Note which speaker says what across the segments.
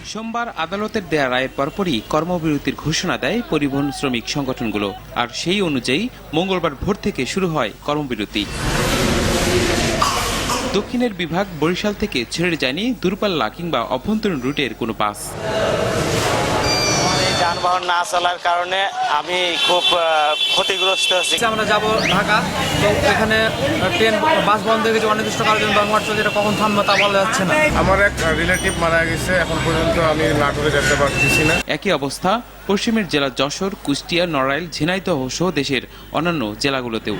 Speaker 1: সোমবার আদালতের দেয়া রায়ের পরপরই কর্মবিরতির ঘোষণা দেয় পরিবহন শ্রমিক সংগঠনগুলো, আর সেই অনুযায়ী মঙ্গলবার ভোর থেকে শুরু হয় কর্মবিরতি। দক্ষিণের বিভাগ বরিশাল থেকে ছেড়ে যায়নি দূরপাল্লা কিংবা অভ্যন্তরীণ রুটের কোনো বাস।
Speaker 2: যানবাহন না চলার কারণে আমি খুব ক্ষতিগ্রস্ত হচ্ছি।
Speaker 3: আমরা যাব ঢাকা, তো এখানে ট্রেন বাস বন্ধ হয়ে গেছে অনির্দিষ্টকালের জন্য, ধর্মঘট চলছে, এটা কখন থামবে তা বলা যাচ্ছে না।
Speaker 4: আমার এক রিলেটিভ মারা গেছে, এখন পর্যন্ত আমি নাটোরে যেতে পারতেছি না।
Speaker 1: একই অবস্থা পশ্চিমের জেলা যশোর, কুষ্টিয়া, নড়াইল, ঝিনাইদহ সহ দেশের অন্যান্য জেলাগুলোতেও।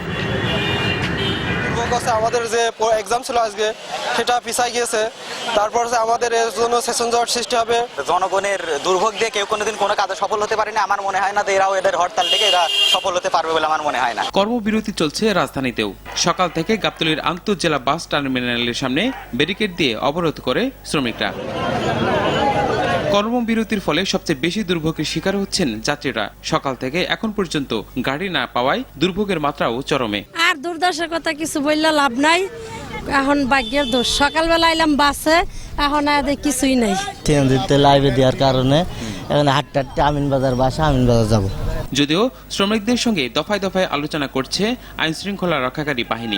Speaker 5: আমাদের যে এক্সাম ছিল আজকে সেটা পিছাই গিয়েছে, তারপর আমাদের এর জন্য সেশন জট সৃষ্টি হবে।
Speaker 2: জনগণের দুর্ভোগ দিয়ে কেউ কোনোদিন কোনো কাজে সফল হতে পারেনি, আমার মনে হয় না এরাও এদের হরতাল থেকে এরা সফল হতে পারবে বলে আমার মনে হয় না।
Speaker 1: কর্মবিরতি চলছে রাজধানীতেও। সকাল থেকে গাবতলীর আন্তঃজেলা বাস টার্মিনালের সামনে ব্যারিকেড দিয়ে অবরোধ করে শ্রমিকরা। কর্মবিরতির ফলে সবচেয়ে বেশি দুর্ভোগের শিকার হচ্ছেন যাত্রীরা। সকাল থেকে এখন পর্যন্ত গাড়ি না পাওয়ায় দুর্ভোগের মাত্রাও চরমে।
Speaker 6: আর দুর্দশার কথা কিছু বললে লাভ নাই, এখন ভাগ্যের দোষ। সকালবেলা এলাম বাসে, এখন আর কিছুই নাই।
Speaker 7: ট্রেন দিতে লাইভে দেওয়ার কারণে এখন হাঁটতে হাঁটতে আমিনবাজার বাসা আমিনবাজার যাব।
Speaker 1: যদিও শ্রমিকদের সঙ্গে দফায় দফায় আলোচনা করছে আইন শৃঙ্খলা রক্ষাকারী বাহিনী।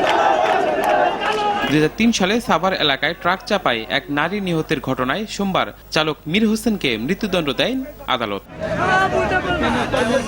Speaker 1: 2003 সালে সাভার এলাকায় ট্রাক চাপায় এক নারী নিহতের ঘটনায় সোমবার চালক মীর হোসেনকে মৃত্যুদণ্ড দেন আদালত।